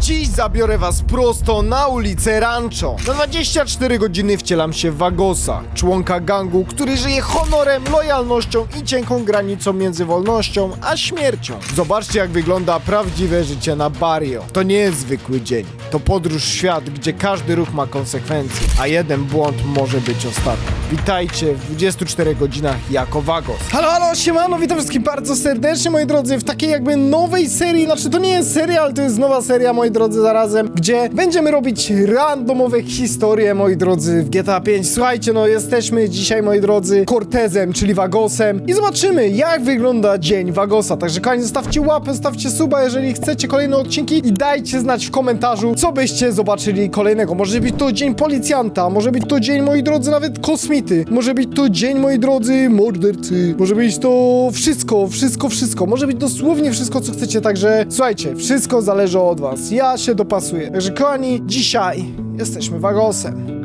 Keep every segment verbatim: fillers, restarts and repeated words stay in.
Dziś zabiorę was prosto na ulicę Rancho. Na dwadzieścia cztery godziny wcielam się w Vagosa, członka gangu, który żyje honorem, lojalnością i cienką granicą między wolnością a śmiercią. Zobaczcie, jak wygląda prawdziwe życie na Barrio. To nie jest zwykły dzień. To podróż w świat, gdzie każdy ruch ma konsekwencje, a jeden błąd może być ostatni. Witajcie w dwudziestu czterech godzinach jako Vagos. Halo, halo, siemano, witam wszystkich bardzo serdecznie, moi drodzy, w takiej jakby nowej serii, znaczy to nie jest seria, ale to jest nowa seria, moi drodzy, zarazem, gdzie będziemy robić randomowe historie, moi drodzy, w G T A pięć. Słuchajcie, no jesteśmy dzisiaj, moi drodzy, Cortezem, czyli Vagosem i zobaczymy, jak wygląda dzień Vagosa. Także kochani, zostawcie łapę, zostawcie suba, jeżeli chcecie kolejne odcinki i dajcie znać w komentarzu, co byście zobaczyli kolejnego. Może być to dzień policjanta, może być to dzień, moi drodzy, nawet kosmity, może być to dzień, moi drodzy, mordercy, może być to wszystko, wszystko, wszystko, może być dosłownie wszystko, co chcecie, także słuchajcie, wszystko zależy od was, ja się dopasuję. Także kochani, dzisiaj jesteśmy Vagosem.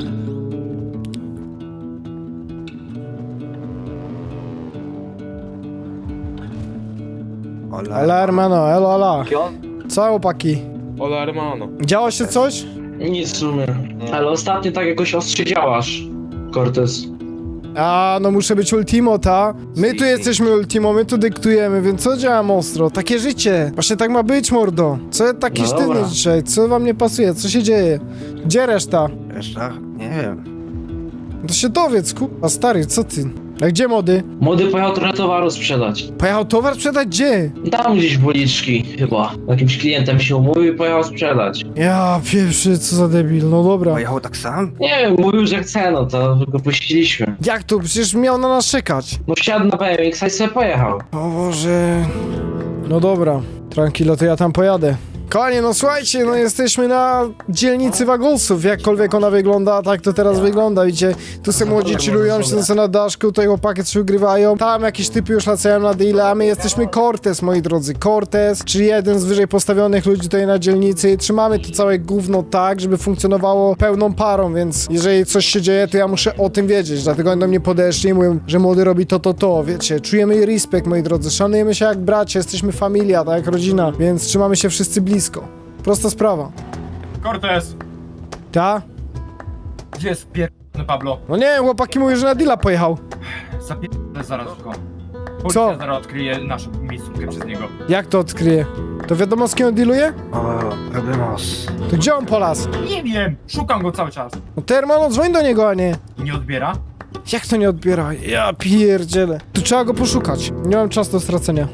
Hola hermano, elo, hola. Co chłopaki? Hola hermano. Działo się coś? Nic w sumie. Ale ostatnio tak jakoś ostrze działasz, Cortez. A, no muszę być ultimo, ta? My tu jesteśmy ultimo, my tu dyktujemy, więc co działam ostro? Takie życie. Właśnie tak ma być, mordo. Co taki No sztywny dobra. dzisiaj? Co wam nie pasuje? Co się dzieje? Gdzie reszta? Reszta? Nie wiem. To się dowiedz, kurwa, stary, co ty? A gdzie mody? Młody pojechał trochę towaru sprzedać. Pojechał towar sprzedać gdzie? Tam gdzieś w uliczki chyba. Jakimś klientem się umówił i pojechał sprzedać. Ja pierwszy, co za debil, no dobra. Pojechał tak sam? Nie wiem, mówił, że chce, no to go puściliśmy. Jak to? Przecież miał na nas czekać. No wsiadł na B M X i sobie pojechał. O Boże. No dobra, tranquilo, to ja tam pojadę. Kochanie, no słuchajcie, no jesteśmy na dzielnicy Vagosów, jakkolwiek ona wygląda, tak to teraz wygląda, widzicie, tu se młodzi chillują, siedzą sobie na daszku, tutaj chłopaki coś ugrywają, tam jakieś typy już lacają na deale, a my jesteśmy Cortez, moi drodzy, Cortez, czyli jeden z wyżej postawionych ludzi tutaj na dzielnicy i trzymamy to całe gówno tak, żeby funkcjonowało pełną parą, więc jeżeli coś się dzieje, to ja muszę o tym wiedzieć, dlatego oni do mnie podeszli i mówią, że młody robi to, to, to, wiecie, czujemy respekt, moi drodzy, szanujemy się jak bracia, jesteśmy familia, tak jak rodzina, więc trzymamy się wszyscy blisko. Prosta sprawa. Cortez! Ta? Gdzie jest pierdolony Pablo? No nie wiem, chłopaki mówią, że na deala pojechał. Zapierdolę zaraz go. Policja Co? zaraz odkryje naszą miejscówkę przez niego. Jak to odkryje? To wiadomo, z kim on dealuje? O, problemos. To gdzie on polas? Nie wiem! Szukam go cały czas. No Termano, dzwoń do niego, a nie. Nie odbiera? Jak to nie odbiera? Ja pierdzielę. Tu trzeba go poszukać. Nie mam czasu do stracenia.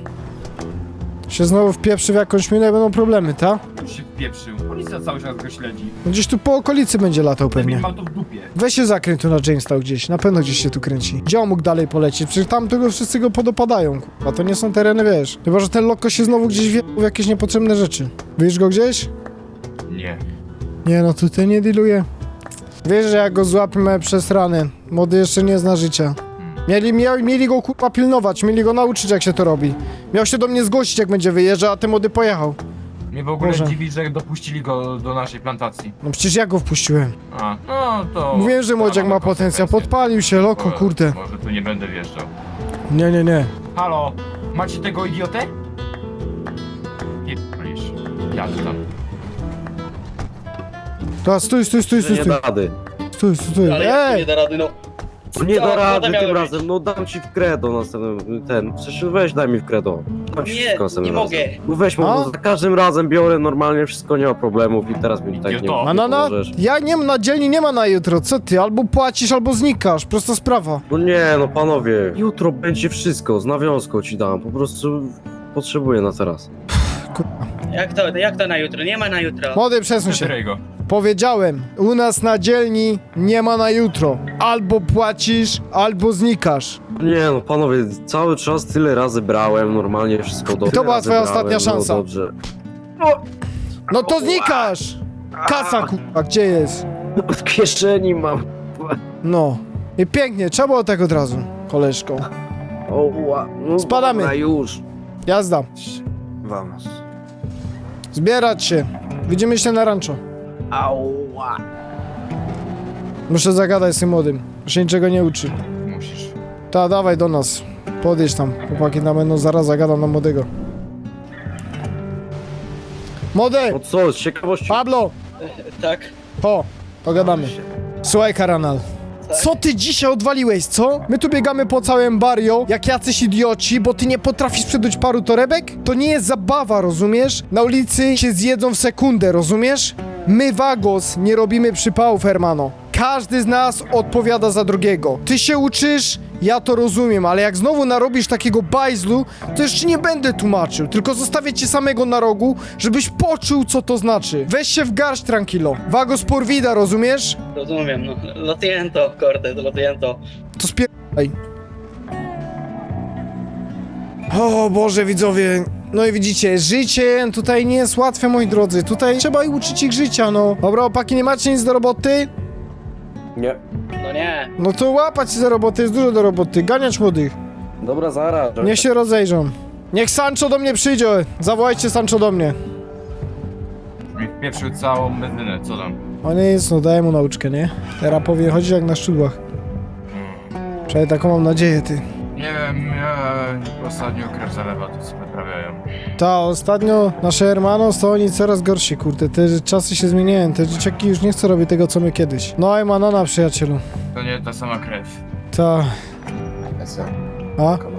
Się znowu wpieprzy w jakąś minę i będą problemy, ta? Już się wpieprzył. Policja cały czas go śledzi. No gdzieś tu po okolicy będzie latał Pewnie pewnie. ma to w dupie. Weź się zakręć tu na Jamestown gdzieś. Na pewno gdzieś się tu kręci. Gdzie on mógł dalej polecieć? Przecież tam tego wszyscy go podopadają, a to nie są tereny, wiesz. Chyba, że ten loko się znowu gdzieś wie w jakieś niepotrzebne rzeczy. Widzisz go gdzieś? Nie. Nie no, tutaj nie dealuje. Wiesz, że jak go złapiemy przez ranę. Młody jeszcze nie zna życia. Mieli, mieli, mieli go kurwa pilnować, mieli go nauczyć, jak się to robi. Miał się do mnie zgłosić, jak będzie wyjeżdżał, a ten młody pojechał. Mnie w ogóle Boże. dziwi, że dopuścili go do naszej plantacji. No przecież ja go wpuściłem. A, no to... Mówiłem, że młodziak ma potencjał, podpalił się, loko, Może- kurde. Może tu nie będę wjeżdżał. Nie, nie, nie. Halo, macie tego idiotę? Nie p***lisz. Jadę tam. To stój, stój, stój, stój, Nie stój. da rady. Stój, stój, stój. Ale jak to nie Ej! da rady, no. Tak, Nie Co? da Co rady to miało tym być? razem, no dam ci w credo następnym, ten, przecież weź daj mi w credo. Dam ci Nie, wszystko następnym nie razem. mogę. No weź, A? bo za każdym razem biorę normalnie, wszystko nie ma problemów i teraz mi tak nie, Idioto. nie A no, no, pomożesz. ja nie mam na dzielni, nie ma na jutro, co ty? Albo płacisz, albo znikasz, prosta sprawa. No nie, no panowie, jutro będzie wszystko, z nawiązką ci dam, po prostu potrzebuję na teraz. Jak to, jak to na jutro? Nie ma na jutro. Młody, przesuń się. Przetyraj go. Powiedziałem, u nas na dzielni nie ma na jutro. Albo płacisz, albo znikasz. Nie no panowie, cały czas tyle razy brałem, normalnie wszystko dobrze. to była razy twoja brałem, ostatnia szansa. No dobrze. No to znikasz! Kasa, kurwa, gdzie jest? Od kieszeni mam. No. I pięknie, trzeba było tak od razu, koleżko. Oła, no Spadamy. dobra, już. Jazda. Vamos. Zbierać się. Widzimy się na rancho. Ała. Muszę zagadać z tym młodym. Się niczego nie uczy. Musisz. Ta, dawaj do nas. Podjedź tam. Chłopaki tam będą, zaraz zagadam na młodego. Młody! No co, z ciekawości? Pablo! Tak? Ho, pogadamy. Słuchaj, Karanal. Co ty dzisiaj odwaliłeś, co? My tu biegamy po całym barrio, jak jacyś idioci, bo ty nie potrafisz przedać paru torebek? To nie jest zabawa, rozumiesz? Na ulicy się zjedzą w sekundę, rozumiesz? My, Vagos, nie robimy przypałów, hermano. Każdy z nas odpowiada za drugiego. Ty się uczysz, ja to rozumiem, ale jak znowu narobisz takiego bajzlu, to już ci nie będę tłumaczył, tylko zostawię cię samego na rogu, żebyś poczuł, co to znaczy. Weź się w garść, tranquilo. Vagos por vida, rozumiesz? Rozumiem, no. Lo siento, Cortez, lo siento. To spierdaj. O Boże, widzowie. No i widzicie, życie tutaj nie jest łatwe, moi drodzy. Tutaj trzeba i uczyć ich życia, no. Dobra, opaki, nie macie nic do roboty? Nie. No nie. No to łapać się za roboty, jest dużo do roboty. Ganiać młodych. Dobra, zaraz. Niech się rozejrzą. Niech Sancho do mnie przyjdzie. Zawołajcie Sancho do mnie. Mi wpieprzył całą benzynę, co tam? O nie jest, no daję mu nauczkę, nie? Teraz powinien chodzić jak na szczudłach. Przynajmniej taką mam nadzieję, ty. Nie wiem, ja ostatnio krew zalewa, to co wyprawiają. Ta, ostatnio nasze hermanos to oni coraz gorsi, kurde, te czasy się zmieniają, te dzieciaki już nie chcą robić tego, co my kiedyś. No i manana, przyjacielu. To nie ta sama krew. Ta, Esa, a? kola.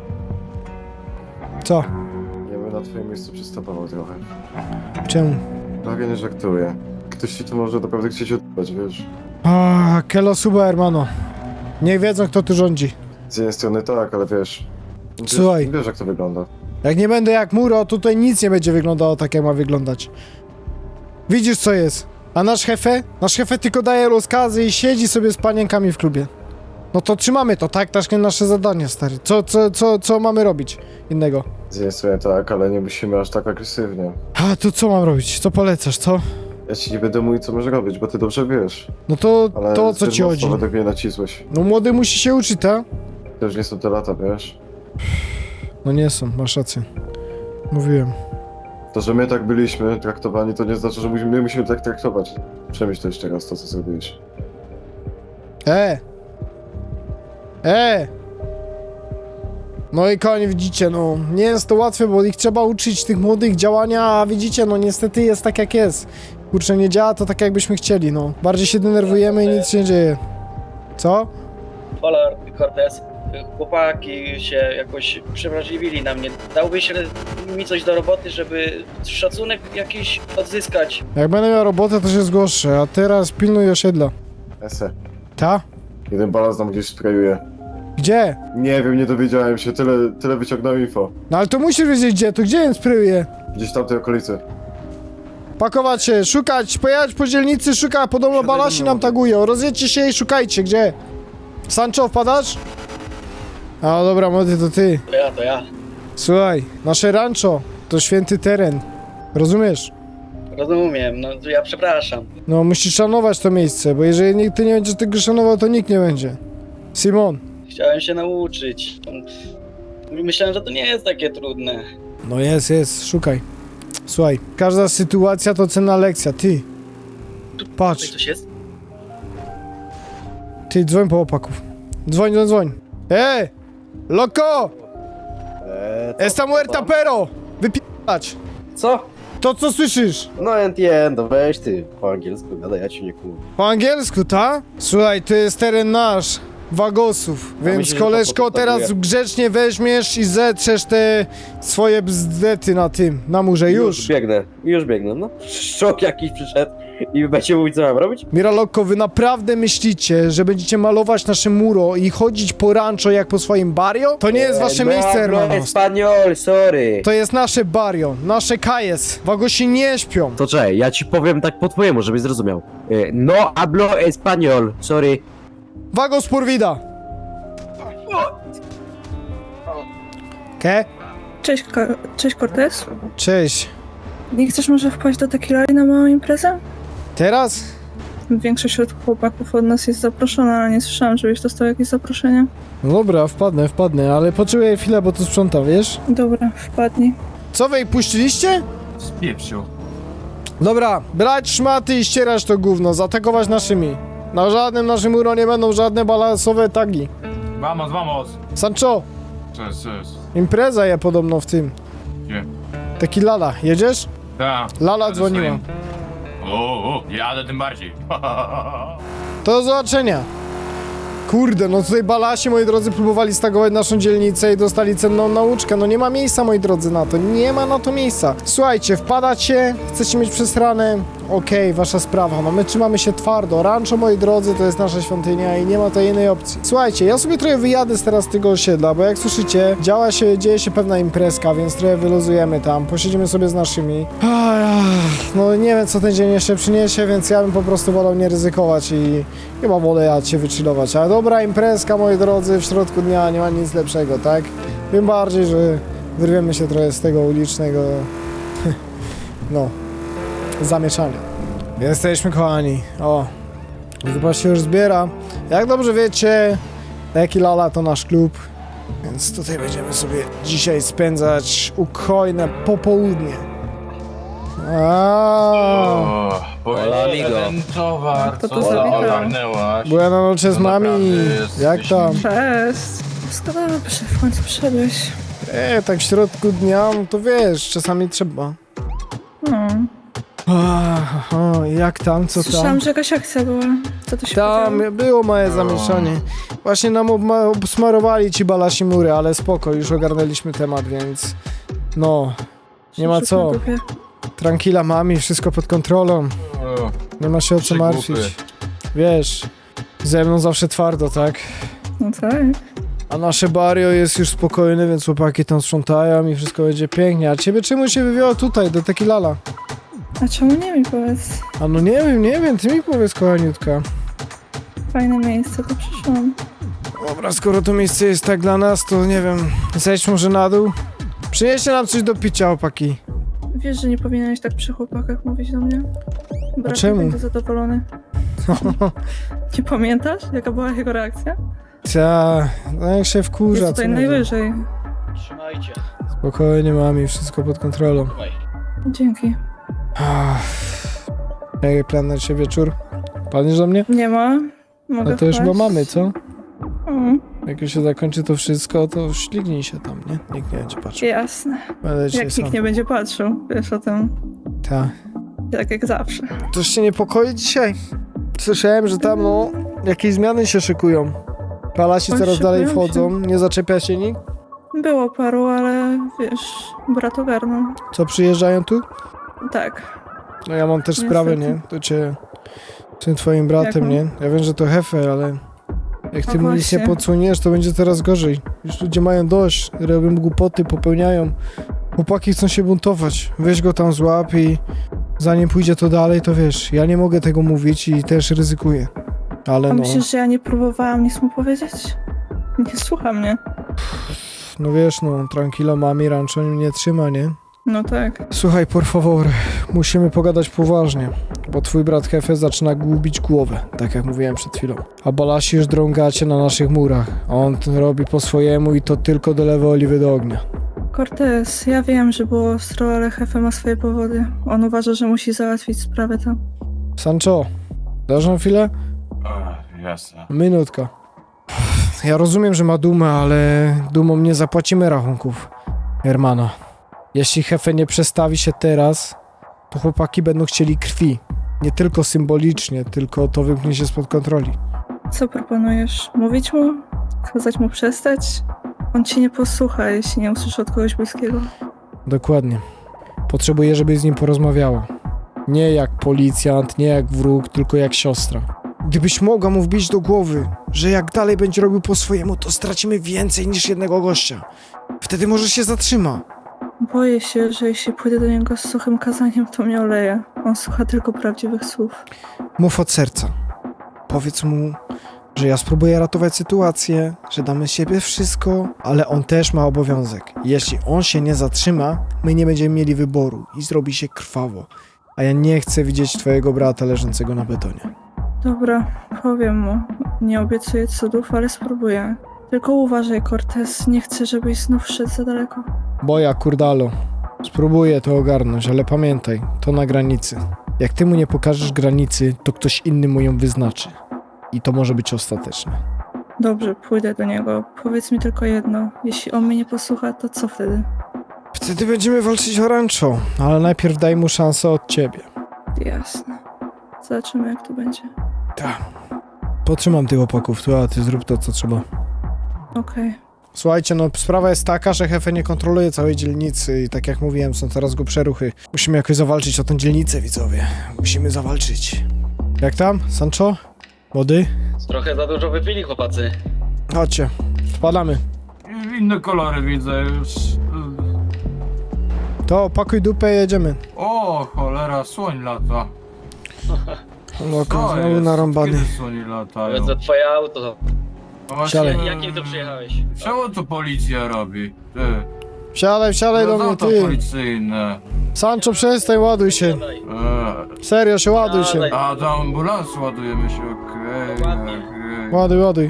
Co? Ja bym na twoim miejscu przystępował trochę. Czemu? Prawie nie żartuję. Ktoś ci tu może naprawdę chcieć odbywać, wiesz? A, Kelo suba, hermano. Niech wiedzą, kto tu rządzi. Z jednej strony tak, ale wiesz... wiesz Słuchaj. Wiesz, jak to wygląda. Jak nie będę jak Muro, to tutaj nic nie będzie wyglądało tak, jak ma wyglądać. Widzisz, co jest? A nasz hefe? Nasz hefe tylko daje rozkazy i siedzi sobie z panienkami w klubie. No to trzymamy to, tak? Takie nasze zadanie, stary. Co, co, co, co mamy robić innego? Z jednej strony tak, ale nie musimy aż tak agresywnie. A, to co mam robić? Co polecasz, co? Ja ci nie będę mówił, co masz robić, bo ty dobrze wiesz. No to, Ale to o co zbyt ci mocno chodzi? według mnie nacisłeś. No młody musi się uczyć, tak? To już nie są te lata, wiesz? No nie są, masz rację. Mówiłem. To, że my tak byliśmy traktowani, to nie znaczy, że musimy, my musimy tak traktować. Przemyśl to jeszcze raz to, co zrobiłeś. E! E! No i koń, widzicie, no, nie jest to łatwe, bo ich trzeba uczyć, tych młodych działania, a widzicie, no niestety jest tak jak jest. Kurczę, nie działa to tak jakbyśmy chcieli, no. Bardziej się denerwujemy i nic się nie dzieje. Co? Hola, Cortez. Chłopaki się jakoś przewrażliwili na mnie. Dałbyś mi coś do roboty, żeby szacunek jakiś odzyskać. Jak będę miał robotę, to się zgłoszę, a teraz pilnuj osiedla. Ese. Ta? Jeden balans nam gdzieś sprayuje. Gdzie? Nie wiem, nie dowiedziałem się, tyle, tyle wyciągnąłem info. No ale to musisz wiedzieć gdzie, to gdzie jest spryje? Gdzieś w tamtej okolicy. Pakować się, szukać, pojechać po dzielnicy, szukać, podobno balasi nam tagują. Rozjedźcie się i szukajcie, gdzie? Sancho, wpadasz? A dobra, młody, to ty. To ja, to ja. Słuchaj, nasze rancho to święty teren. Rozumiesz? Rozumiem, no to ja przepraszam. No, musisz szanować to miejsce, bo jeżeli nikt ty nie będziesz tego szanował, to nikt nie będzie. Simon. Chciałem się nauczyć. Myślałem, że to nie jest takie trudne. No jest, jest, szukaj. Słuchaj, każda sytuacja to cenna lekcja, ty. Tutaj Patrz, coś jest? ty, dzwoń po opaków. Dzwoń, dzwoń, dzwoń. Ej! Loco! Eee, Esta muerta pero! Wypi***ać! Co? To co słyszysz? No entiendo, weź ty po angielsku gadaj, ja ci nie kumam. Po angielsku, ta? Słuchaj, to jest teren nasz, Wagosów, więc myślę, że to koleżko podstawuje. teraz grzecznie weźmiesz i zetrzesz te swoje bzdety na tym, na murze, już. biegnę, już biegnę, no. Szok jakiś przyszedł i będzie mówić, co mam robić? Miraloko, wy naprawdę myślicie, że będziecie malować nasze muro i chodzić po rancho jak po swoim barrio? To nie jest wasze no, miejsce, no, hermanos. Espanol, sorry. To jest nasze barrio, nasze kajes. Wagosi nie śpią. To czekaj, ja ci powiem tak po twojemu, żebyś zrozumiał. E, No hablo español, sorry. Vagos por vida. Ke? Cześć, Ko- Cześć Cortez. Cześć. Nie chcesz może wpaść do Tequilari na małą imprezę? Teraz? Większość od chłopaków od nas jest zaproszona, ale nie słyszałam, żebyś dostał jakieś zaproszenie. No dobra, wpadnę, wpadnę, ale potrzebuję chwilę, bo tu sprzątam, wiesz? Dobra, wpadnij. Co wy ich puściliście? Spieprzył. Dobra, brać szmaty i ścierać to gówno, zaatakować naszymi. Na żadnym naszym muro nie będą żadne balansowe tagi. Vamos, vamos. Sancho, Co jest, co jest? impreza je podobno w tym. Nie. Tequilala, jedziesz? Tak. Lala Jadę dzwoniła. swoim. O, o, jadę tym bardziej. To do zobaczenia. Kurde, no tutaj balasi, moi drodzy, próbowali stagować naszą dzielnicę i dostali cenną nauczkę. No nie ma miejsca, moi drodzy, na to. Nie ma na to miejsca. Słuchajcie, wpadacie, chcecie mieć przesrane, okej, wasza sprawa. No my trzymamy się twardo. Rancho, moi drodzy, to jest nasza świątynia i nie ma to innej opcji. Słuchajcie, ja sobie trochę wyjadę teraz z tego osiedla, bo jak słyszycie, działa się, dzieje się pewna imprezka, więc trochę wyluzujemy tam, posiedzimy sobie z naszymi. No nie wiem, co ten dzień jeszcze przyniesie, więc ja bym po prostu wolał nie ryzykować i chyba wolę ja się wychillować. Ale dobra imprezka, moi drodzy, w środku dnia nie ma nic lepszego, tak? Tym bardziej, że wyrwiemy się trochę z tego ulicznego, no, zamieszania. Jesteśmy, kochani. O, chyba się już zbiera. Jak dobrze wiecie, Neki Lala to nasz klub, więc tutaj będziemy sobie dzisiaj spędzać ukojne popołudnie. Aaaa. Hola, amigo. Ten towar, Kto to co zawitał? ogarnęłaś? Byłem na nocie z To mami. naprawdę jest Jak tam? Cześć. Wszystko dobrze, w końcu przyszedłeś. E, tak w środku dnia, no to wiesz, czasami trzeba. No. Aha, jak tam, co tam? Słyszałam, że jakaś akcja była. Co to się Tam podziało? było małe zamieszanie. Właśnie nam obma- obsmarowali ci balasi mury, ale spoko, już ogarnęliśmy temat, więc no, nie ma Rzut co. na dupie. Tranquila mami, wszystko pod kontrolą. O, Nie ma się o co Trzy martwić. głupy. Wiesz, ze mną zawsze twardo, tak? No tak. A nasze barrio jest już spokojne, więc chłopaki tam sprzątają i wszystko będzie pięknie. A ciebie czemu się wywiało tutaj, do Tequilala? A czemu nie mi powiedz? A no nie wiem, nie wiem, ty mi powiedz, kochaniutka. Fajne miejsce, to przyszłam. Dobra, skoro to miejsce jest tak dla nas, to nie wiem, zejdź może na dół. Przynieście nam coś do picia, chłopaki. Wiesz, że nie powinieneś tak przy chłopakach mówić do mnie? Brat czemu? będzie zadowolony. Nie pamiętasz, jaka była jego reakcja? Ta, no jak się wkurza, Jest co tutaj mówię. najwyżej. Trzymajcie. Spokojnie, mami, wszystko pod kontrolą. Trzymaj. Dzięki. Jaki plan na dzisiaj wieczór? Planisz do mnie? Nie ma. Mogę No to już wpaść? chyba mamy, co? Mm, Jak już się zakończy to wszystko, to ślignij się tam, nie? Nikt nie będzie patrzył. jasne. Będę dzisiaj Jak sam. nikt nie będzie patrzył, wiesz o tym. Tak. Tak jak zawsze. Coś cię niepokoi dzisiaj? Słyszałem, że tam, no, jakieś zmiany się szykują. Palasi Oj, coraz dalej szykują się. wchodzą, nie zaczepia się nikt? Było paru, ale wiesz, brat ogarnął. Co, przyjeżdżają tu? Tak. No ja mam też Niestety. sprawę, nie? To cię... tym twoim bratem, Jaką? nie? Ja wiem, że to hefe, ale... Jak ty No mu nic nie właśnie. podsuniesz, to będzie coraz gorzej. Już ludzie mają dość, robią głupoty, popełniają. Chłopaki chcą się buntować. Weź go tam złap i zanim pójdzie to dalej, to wiesz, ja nie mogę tego mówić i też ryzykuję. Ale A no, myślisz, że ja nie próbowałam nic mu powiedzieć? Nie słucha mnie. no wiesz, no, tranquilo, mami, rancho mnie nie trzyma, nie? No tak. Słuchaj, por favor, musimy pogadać poważnie, bo twój brat Hefe zaczyna gubić głowę, tak jak mówiłem przed chwilą. A balasi już drągacie na naszych murach, a on to robi po swojemu i to tylko dolewa oliwy do ognia. Cortez, ja wiem, że było ostro, ale Hefe ma swoje powody. On uważa, że musi załatwić sprawę tam. Sancho, dasz nam chwilę? Ach, jasne. Minutka. Ja rozumiem, że ma dumę, ale dumą nie zapłacimy rachunków, Hermana. Jeśli Hefe nie przestawi się teraz, to chłopaki będą chcieli krwi. Nie tylko symbolicznie, tylko to wymknie się spod kontroli. Co proponujesz? Mówić mu? Kazać mu przestać? On ci nie posłucha, jeśli nie usłyszy od kogoś bliskiego. Dokładnie. Potrzebuję, żebyś z nim porozmawiała. Nie jak policjant, nie jak wróg, tylko jak siostra. Gdybyś mogła mu wbić do głowy, że jak dalej będzie robił po swojemu, to stracimy więcej niż jednego gościa. Wtedy może się zatrzyma. Boję się, że jeśli pójdę do niego z suchym kazaniem, to mnie oleje. On słucha tylko prawdziwych słów. Mów od serca. Powiedz mu, że ja spróbuję ratować sytuację, że damy z siebie wszystko, ale on też ma obowiązek. Jeśli on się nie zatrzyma, my nie będziemy mieli wyboru i zrobi się krwawo. A ja nie chcę widzieć twojego brata leżącego na betonie. Dobra, powiem mu. Nie obiecuję cudów, ale spróbuję. Tylko uważaj, Cortez. Nie chcę, żebyś znów szedł za daleko. Boja, kurdalo. Spróbuję to ogarnąć, ale pamiętaj, to na granicy. Jak ty mu nie pokażesz granicy, to ktoś inny mu ją wyznaczy. I to może być ostateczne. Dobrze, pójdę do niego. Powiedz mi tylko jedno. Jeśli on mnie nie posłucha, to co wtedy? Wtedy będziemy walczyć o rancho, ale najpierw daj mu szansę od ciebie. Jasne. Zobaczymy, jak to będzie. Tak. Potrzymam tych opaków tu, a ty zrób to, co trzeba. Okej. Słuchajcie, no sprawa jest taka, że Hefe nie kontroluje całej dzielnicy i tak jak mówiłem, są coraz głupsze ruchy. Musimy jakoś zawalczyć o tę dzielnicę, widzowie. Musimy zawalczyć. Jak tam, Sancho? Młody? Trochę za dużo wypili chłopacy. Chodźcie, spadamy. Inne kolory widzę już. To opakuj dupę i jedziemy. O, cholera, słoń lata. No, Co znowu jest? narąbany. Kiedy słoni latają? Powiedz, że twoje auto. No właśnie, Siadaj. Jakim tu przyjechałeś? Czemu to policja robi? Ty. Wsiadaj, wsiadaj do No mnie, to ty. policyjne. Sancho, przestań, ładuj się. Siadaj. Eee, Serio się, ładuj się. Siadaj. a do ambulansu ładujemy się, okej. Ładnie. okej. Ładuj, ładuj.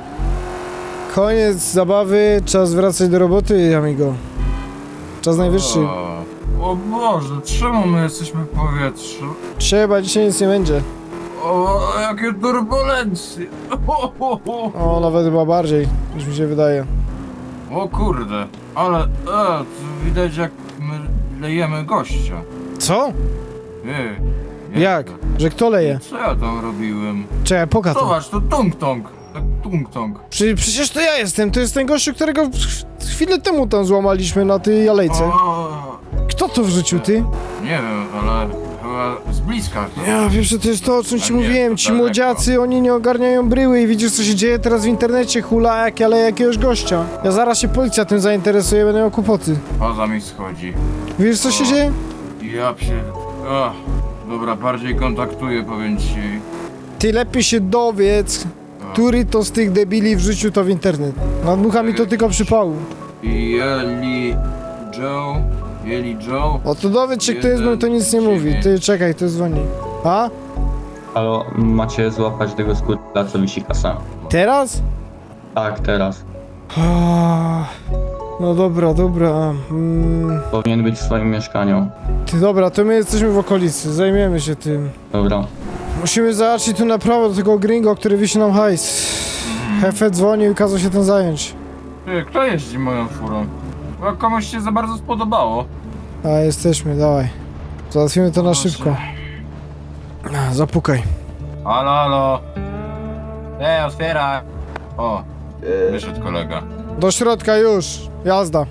Koniec zabawy, czas wracać do roboty, amigo. Czas najwyższy. O, o Boże, czemu my jesteśmy w powietrzu? Trzeba, dzisiaj nic nie będzie. O, jakie turbulencje! O, o, o. O, nawet chyba bardziej, niż mi się wydaje. o kurde, ale e, to widać jak my lejemy gościa. Co? Ej, Jak? Że kto leje? Co ja tam robiłem? Czekaj, poka to. Zobacz, to tung-tong. Tak tung-tong. Przy, przecież to ja jestem, to jest ten gościu, którego w- chwilę temu tam złamaliśmy na tej alejce. O, Kto to wrzucił, ty? nie wiem, ale chyba z bliska. Ja wiem, że to jest to, o czym ci A nie, mówiłem. to Ci daleko. młodziacy, oni nie ogarniają bryły i widzisz, co się dzieje teraz w internecie, hula, jak ale jakiegoś gościa. Ja zaraz się policja tym zainteresuje, będę miał kłopoty. Poza mi schodzi. Wiesz, co się O. dzieje? Ja pier... Ach, dobra, bardziej kontaktuję, powiem ci. Ty lepiej się dowiedz, który to z tych debili wrzucił to w internet. Nadmucha mi to tylko przypału. Jeli Joe, Jeli Joe. O to dowiedz się, kto jest, bo mi to nic nie mówi. Ty, czekaj, to dzwoni. A? Halo, macie złapać tego skutla, co wisi kasa. Teraz? Tak, teraz. Ah, No dobra, dobra. Mm, Powinien być w swoim mieszkaniu. ty dobra, to my jesteśmy w okolicy, zajmiemy się tym. Dobra. Musimy zobaczyć tu na prawo do tego gringo, który wisi nam hajs. Hefe dzwonił i kazał się tym zająć. Ty, kto jeździ moją furą? Bo komuś się za bardzo spodobało. A, jesteśmy, dawaj. Załatwimy to na szybko. A, Zapukaj. Halo, halo. Ej, otwieraj. O, wyszedł kolega. Do środka już, jazda.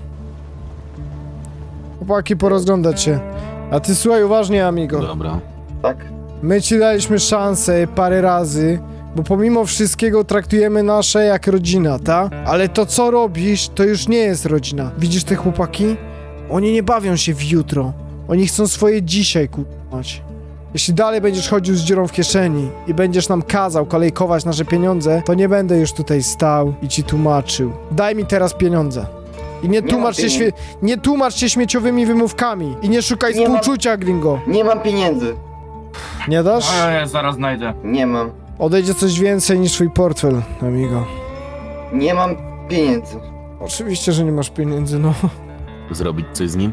Chłopaki, porozglądać się. A ty słuchaj uważnie, amigo. Dobra. Tak? My ci daliśmy szansę parę razy, bo pomimo wszystkiego traktujemy nasze jak rodzina, ta? Ale to co robisz, to już nie jest rodzina. Widzisz te chłopaki? Oni nie bawią się w jutro. Oni chcą swoje dzisiaj kupować. Jeśli dalej będziesz chodził z dziurą w kieszeni i będziesz nam kazał kolejkować nasze pieniądze, to nie będę już tutaj stał i ci tłumaczył. Daj mi teraz pieniądze. I nie, Nie tłumacz mam się, śmie- nie tłumacz się śmieciowymi wymówkami. I nie szukaj Nie mam- współczucia, gringo. Nie mam pieniędzy. Nie dasz? A ja zaraz znajdę. Nie mam. Odejdzie coś więcej niż twój portfel, amigo. Nie mam pieniędzy. Oczywiście, że nie masz pieniędzy, no. Zrobić coś z nim?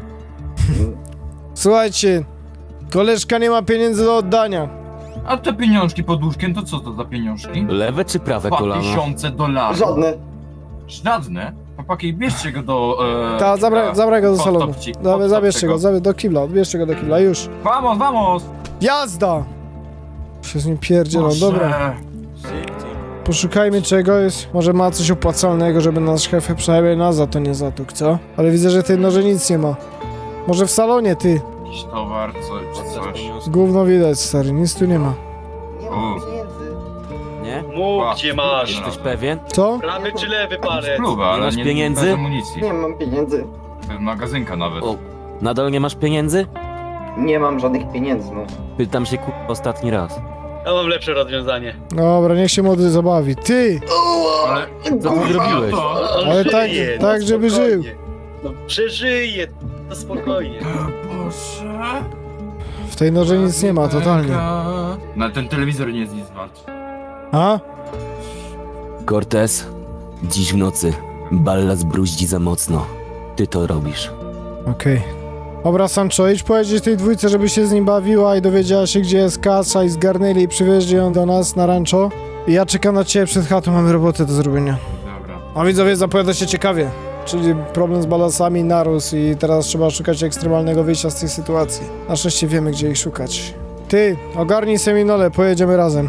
Słuchajcie, koleżka nie ma pieniędzy do oddania. A te pieniążki pod łóżkiem, to co to za pieniążki? Lewe czy prawe Dwa kolano? tysiące dolarów. Żadne. Żadne? Chłopaki, bierzcie go do... E, Ta, zabra, zabraj go do pod salonu. topci, Dobra, pod zabierzcie topciego. go, zabie, do kibla, odbierzcie go do kibla, już. Vamos, vamos! Jazda! Się z nim pierdzielą, Boże. dobra. Poszukajmy czegoś, może ma coś opłacalnego, żeby nasz szef przynajmniej nas za to nie zatukł, co? Ale widzę, że tej noże nic nie ma. Może w salonie, ty. Jakiś towar, co, czy coś. Gówno widać, stary, nic tu nie ma. Nie mam U. pieniędzy. Nie? Mów, gdzie masz. Jesteś pewien? Co? Prawy czy lewy palec? Spluwa, ale masz nie pieniędzy? bez amunicji. Nie mam pieniędzy. To jest magazynka nawet. O, nadal nie masz pieniędzy? Nie mam żadnych pieniędzy, no. Pytam się ku... ostatni raz. Ja mam lepsze rozwiązanie. Dobra, niech się młody zabawi. Ty! Ale Co ty zrobiłeś? to... On Ale tak- żyje, tak, no żeby spokojnie. żył. No przeżyje, no spokojnie. Boże... W tej noże nic nie ma, totalnie. No ten telewizor nie jest nic wart. A? Cortez, dziś w nocy Ballas bruździ za mocno. Ty to robisz. Okej. Dobra, Sancho, idź powiedzieć tej dwójce, żeby się z nim bawiła i dowiedziała się, gdzie jest kasa i zgarnęli i przywieźli ją do nas na rancho. I ja czekam na ciebie przed chatą, mamy robotę do zrobienia. Dobra. A widzowie, zapowiada się ciekawie. Czyli problem z balansami narósł i teraz trzeba szukać ekstremalnego wyjścia z tej sytuacji. Na szczęście wiemy, gdzie ich szukać. Ty, ogarnij Seminole, pojedziemy razem.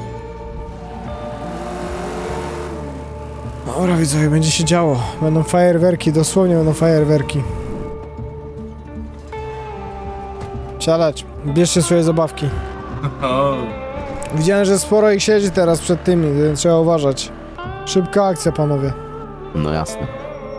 Dobra widzowie, będzie się działo. Będą fajerwerki, dosłownie będą fajerwerki. Siadać, bierzcie swoje zabawki. Widziałem, że sporo ich siedzi teraz przed tymi, więc trzeba uważać. Szybka akcja, panowie. No jasne.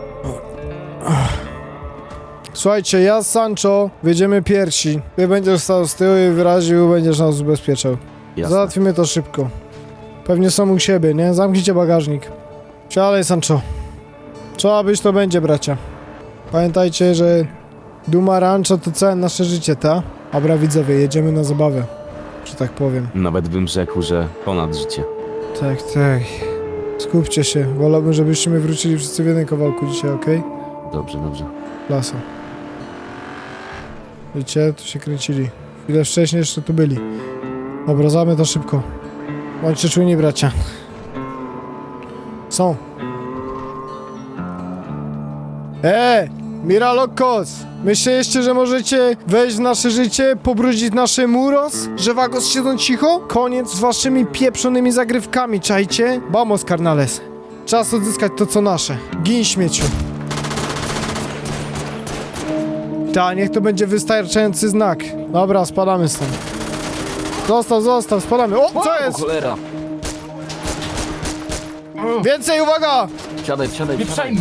Słuchajcie, ja z Sancho wyjdziemy pierwsi. Ty będziesz stał z tyłu i wyraził, będziesz nas ubezpieczał. Jasne. Załatwimy to szybko. Pewnie są u siebie, nie? Zamknijcie bagażnik. Siadaj, Sancho. Trzeba być, to będzie, bracia. Pamiętajcie, że Duma Rancho to całe nasze życie, ta? Dobra, widzowie, jedziemy na zabawę, że tak powiem. Nawet bym rzekł, że ponad życie. Tak, tak. Skupcie się. Wolałbym, żebyśmy wrócili wszyscy w jednym kawałku dzisiaj, okej? Dobrze, dobrze. Klasa. Widzicie, tu się kręcili. Chwilę wcześniej jeszcze tu byli. Obrazamy to szybko. Bądźcie czujni, bracia. Są. Eee! Miralokos! Myśleliście, że możecie wejść w nasze życie, pobrudzić nasze muros? Że Vagos siedzą cicho? Koniec z waszymi pieprzonymi zagrywkami, czajcie? Vamos, carnales. Czas odzyskać to, co nasze. Gin, śmieciu. Ta, niech to będzie wystarczający znak. Dobra, spadamy stąd. Zostaw, zostaw, spadamy. O, co jest? Cholera! Więcej, uwaga! Siadaj, siadaj, Nie siadaj. przejmuj!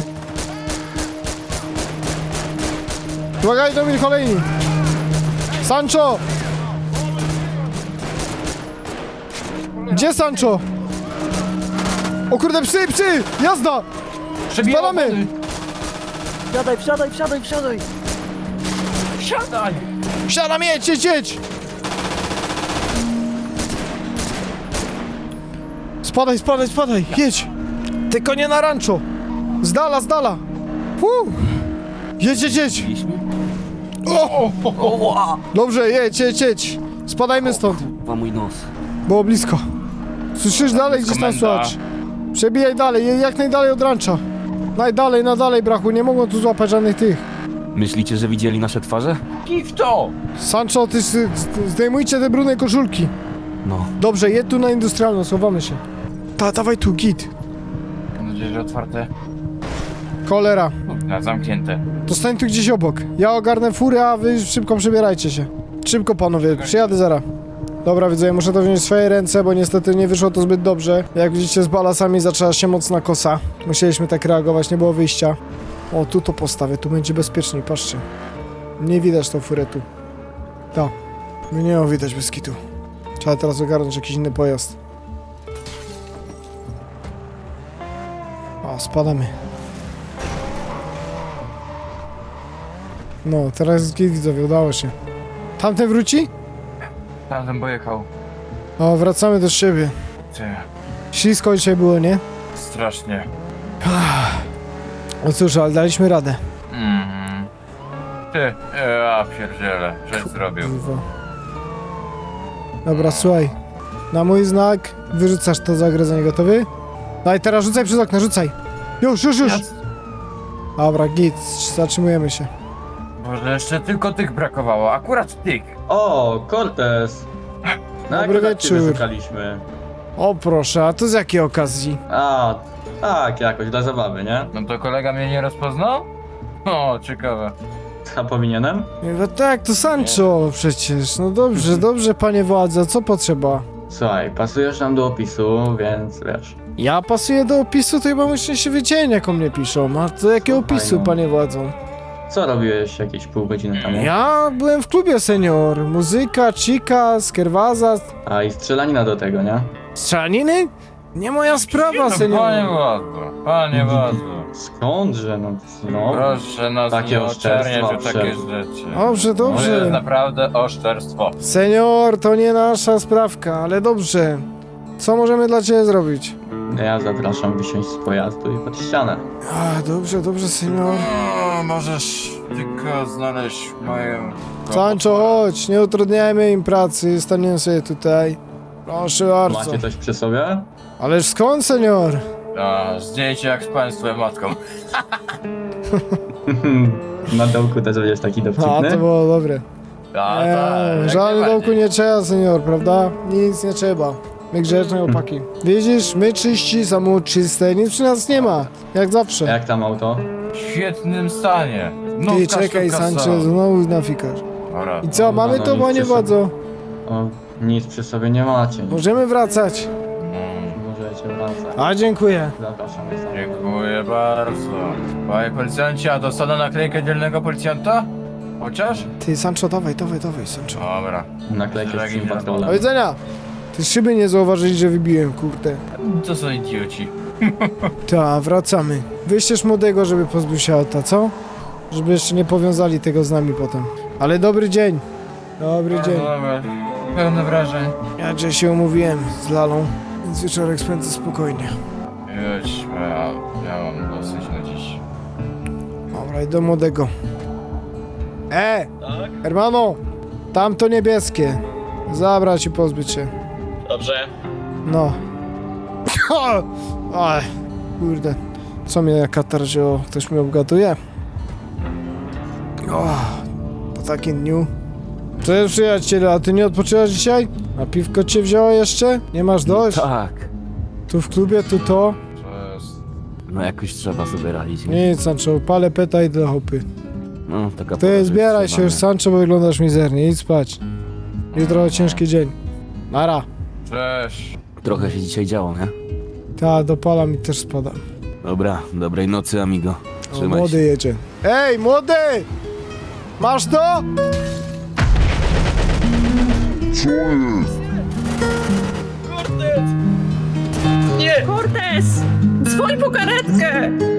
Uwaga, idą mi kolejni. Sancho! Gdzie Sancho? O kurde, psy, psy! Jazda! Przebiję Spadamy! opony. Wsiadaj, wsiadaj, wsiadaj, wsiadaj! Siadaj! Wsiadam, jedź, jedź, jedź! Spadaj, spadaj, spadaj, jedź! Tylko nie na rancho! Z dala, z dala! Uu. Jedź, jedź, jedź! O! Dobrze, jedź, jedź, jedź! Spadajmy stąd, Kurwa, mój nos. było blisko. Słyszysz dalej, gdzieś tam Komenda. słychać. Przebijaj dalej, je- jak najdalej od rancha. Najdalej, najdalej, brachu, nie mogą tu złapać żadnych tych. Myślicie, że widzieli nasze twarze? Kij w to! Sancho, ty s- s- zdejmujcie te brudne koszulki. No. Dobrze, jedź tu na industrialną, schowamy się. Ta, dawaj tu, git. Mam nadzieję, że otwarte. Cholera. Na zamknięte. To stań tu gdzieś obok. Ja ogarnę furę, a wy szybko przebierajcie się. Szybko, panowie, przyjadę zaraz. Dobra, widzę, muszę to wziąć w swoje ręce, bo niestety nie wyszło to zbyt dobrze. Jak widzicie, z balasami zaczęła się mocna kosa. Musieliśmy tak reagować, nie było wyjścia. O, tu to postawię, tu będzie bezpieczniej, patrzcie. Nie widać tą furę tu. Ta. Nie ją widać bez kitu. Trzeba teraz ogarnąć jakiś inny pojazd. O, spadamy. No, teraz jest git, widzowie, udało się. Tamten wróci? Tamten pojechał. O, wracamy do siebie. Ty, Ślisko dzisiaj było, nie? strasznie. No cóż, ale daliśmy radę. Mm. Ty, ja pierdzielę, żeś zrobił. Kurwa. Dobra, słuchaj. Na mój znak wyrzucasz to zagrożenie, gotowy? Daj, teraz rzucaj przez okno, rzucaj. Już, już, już. Dobra, git, zatrzymujemy się. Boże, jeszcze tylko tych brakowało, akurat tych. O, Cortez! Na Dobry akurat ciebie wieczór. szukaliśmy. O proszę, a to z jakiej okazji? A, tak, jakoś dla zabawy, nie? No to kolega mnie nie rozpoznał? O, ciekawe. A powinienem? No tak, to Sancho przecież. No dobrze, dobrze, panie władza, co potrzeba? Słuchaj, pasujesz nam do opisu, więc wiesz. Ja pasuję do opisu, to chyba muszę się wiedzieć, jak o mnie piszą. A do jakiego Słuchaj, opisu, no. panie władzo? Co robiłeś jakieś pół godziny temu? Ja byłem w klubie, senior. Muzyka, chica, skierwaza, A i strzelanina do tego, nie? strzelaniny? Nie moja sprawa, No, senior. panie władzu, panie władzu. Skądże, no, no. Proszę nas Takie nie oczerniać o oszczerstwa, takie proszę. rzeczy. Dobrze, To jest dobrze. naprawdę oszczerstwo. Senior, to nie nasza sprawka, ale dobrze. Co możemy dla ciebie zrobić? Ja zapraszam wysiąść z pojazdu i pod ścianę. A, dobrze, dobrze, senior. O, możesz tylko znaleźć moją... Sancho, chodź, nie utrudniajmy im pracy, staniemy sobie tutaj. Proszę bardzo. Macie coś przy sobie? Ależ skąd, senior? A, zdjęcie jak z państwem matką. Na dołku też będziesz taki A, dowcipny? to było dobre. A, Eee, tak, jak żadnych najbardziej. dołku nie trzeba, senior, prawda? Nic nie trzeba. My grzeczne opaki. Widzisz, my czyści, samochód czyste, nic przy nas nie ma. Jak zawsze. Jak tam auto? W świetnym stanie. No, Ty czekaj, Sanchez, znowu nafikasz. Dobra. I co, mamy no, to, nic panie przy sobie. władzo? O, nic przy sobie nie macie. Możemy wracać. Mm, Możecie wracać. A, dziękuję. Zapraszamy sam. Dziękuję bardzo. Panie policjancie, a dostanę naklejkę dzielnego policjanta? Chociaż? Ty, Sancho, dawaj, dawaj, dawaj, Sancho. Dobra. Naklejkę z Szeregi tym nie Do patrolem. widzenia. Ty szyby nie zauważyli, że wybiłem, kurde. To są idioci. Ta, wracamy. Wyścież młodego, żeby pozbył się auta, co? Żeby jeszcze nie powiązali tego z nami potem. Ale dobry dzień. Dobry dzień. Dobra. Pełne wrażeń. Ja dzisiaj się umówiłem z Lalą, więc wieczorek spędzę spokojnie. Jedźmy, ja, ja mam dosyć na dziś. Dobra, i do młodego. E! Tak? Hermano! Tamto niebieskie. Zabrać i pozbyć się. Dobrze. No. Oj, kurde. Co mnie jak katar wzięło? Ktoś mnie obgaduje? O, po takim dniu. Cześć przyjacielu, a ty nie odpoczywasz dzisiaj? A piwko cię wzięło jeszcze? Nie masz dość? Tak. Tu w klubie, tu to? To jest... No jakoś trzeba sobie radzić. Nie? Nic, Sancho, palę peta i do hopy. No, taka pora, Ty że zbieraj trzeba, się już, nie? Sancho, bo wyglądasz mizernie. Idź spać. Jutro ciężki dzień. Nara. Cześć. Trochę się dzisiaj działo, nie? Ta, dopala mi też spada. Dobra, dobrej nocy, amigo. O, Trzymaj młody się. jedzie. Ej, młody! Masz to? Nie! Cortez! Dzwoń po karetkę!